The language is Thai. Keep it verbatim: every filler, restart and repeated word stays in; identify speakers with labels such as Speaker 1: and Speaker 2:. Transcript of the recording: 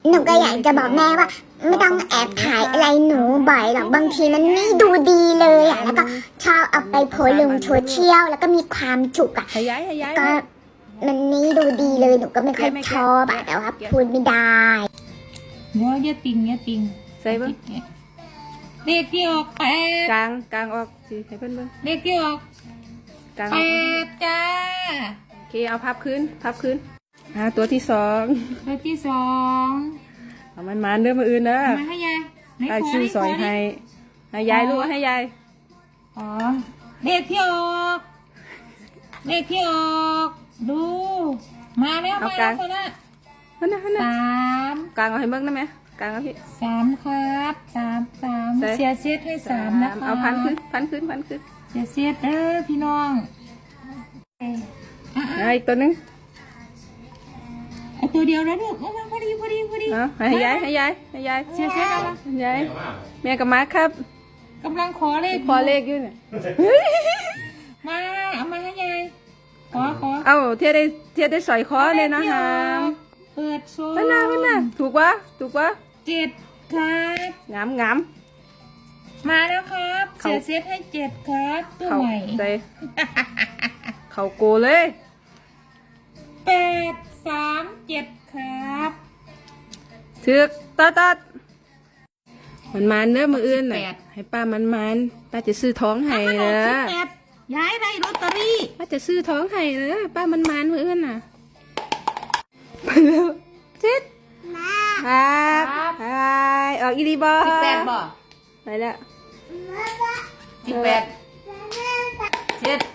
Speaker 1: หนูก็อยากจะบอกแม่ว่าไม่ต้องแอบถ่ายอะไรหนูบ่อยหรอกบางทีมันไม่ดูดีเลยอ่ะแล้วก็ชอบเอาไปโพสลงโซเชียลแล้วก็มีความจุกอ่ะ
Speaker 2: ให้ย้ายให้ย้าย
Speaker 1: ก็มันนี่ดูดีเลยหนูก็ไม่ค่อยชอบอะแต่ว่าพูดไม่ได้
Speaker 3: เดี๋ยวอย่าติงอย่าติง
Speaker 2: ใส่เบิ้ง
Speaker 3: เลขที่ออกแปด
Speaker 2: กลางกลางออกสิให้เพิ่นเบิ้ง
Speaker 3: เลขที่ออก
Speaker 2: กลาง
Speaker 3: แป
Speaker 2: ออก
Speaker 3: ดจ้า
Speaker 2: โอเคเอาพับขึ้นพับขึ้นอ่าตัวที่สอง
Speaker 3: เลขที่สอง
Speaker 2: เอามันมาเด้อมาอื่นเด้อ
Speaker 3: มาให้ยายไหน
Speaker 2: ไอ้
Speaker 3: ข
Speaker 2: ชื่อ
Speaker 3: ไหน
Speaker 2: ซอย
Speaker 3: ข
Speaker 2: ให้ให้ยายลูกให้ยาย
Speaker 3: อ๋อเลขที่ออกเลขที่ออกดูมาแล้วมาแล้วคนละ
Speaker 2: นั่นน่ะนั่นน่ะ
Speaker 3: สาม
Speaker 2: กลางเอาให้เบิ้งได้ไหมกลางเอาพี่
Speaker 3: สามครับสามสาม
Speaker 2: ใส่
Speaker 3: เสียเซตให้สามนะคะ
Speaker 2: เอาพันขึ้นพันขึ้นพันขึ้น
Speaker 3: เสียเซตเด้อพี่น้องอ่ะ
Speaker 2: เอาอีกตัวหนึง
Speaker 3: เอาตัวเดียวนะลูกเอามาพอดีพอดีพอดี
Speaker 2: เอาให้ยายให้ยายให้ยาย
Speaker 3: เสียเซตเอามา
Speaker 2: ให้ยายแม่กับมาครับ
Speaker 3: กำลังขอเลข
Speaker 2: ขอเลขอยู่เนี่ย
Speaker 3: มาเอามาให้ยายขอขอ
Speaker 2: เอาเทียได้เทียได้สอยคอเลยนะฮะ
Speaker 3: เปิดโซ่
Speaker 2: นั่นน่ะนั่นน่ะถูกวะถูกวะ
Speaker 3: เจ็ดครับ
Speaker 2: งามงาม
Speaker 3: มาแล้วครับ
Speaker 2: เขา
Speaker 3: เสียเซตให้เจ็ดครับตัว
Speaker 2: เขา
Speaker 3: ใหม่
Speaker 2: ใจเขาโกเลย
Speaker 3: แปดสามเจ็ดครับ
Speaker 2: ถึกตัดตัดมันมันเนื้อมืออื่นน่ะให้ป้ามันมันป้าจะซื้อท้องให้
Speaker 3: มัน
Speaker 2: เน
Speaker 3: ออก
Speaker 2: อะ
Speaker 3: สิบแปดย้ายได้ลอตเตอรี่
Speaker 2: ป้าจะซื้อท้องให้เนอะป้ามันมันมืออื่นน่ะไปเร็วจิตครับไปออกอีดีบอ
Speaker 3: สิบแปดบ่
Speaker 2: ไปแล้ว
Speaker 3: สิบแปดเจ็ด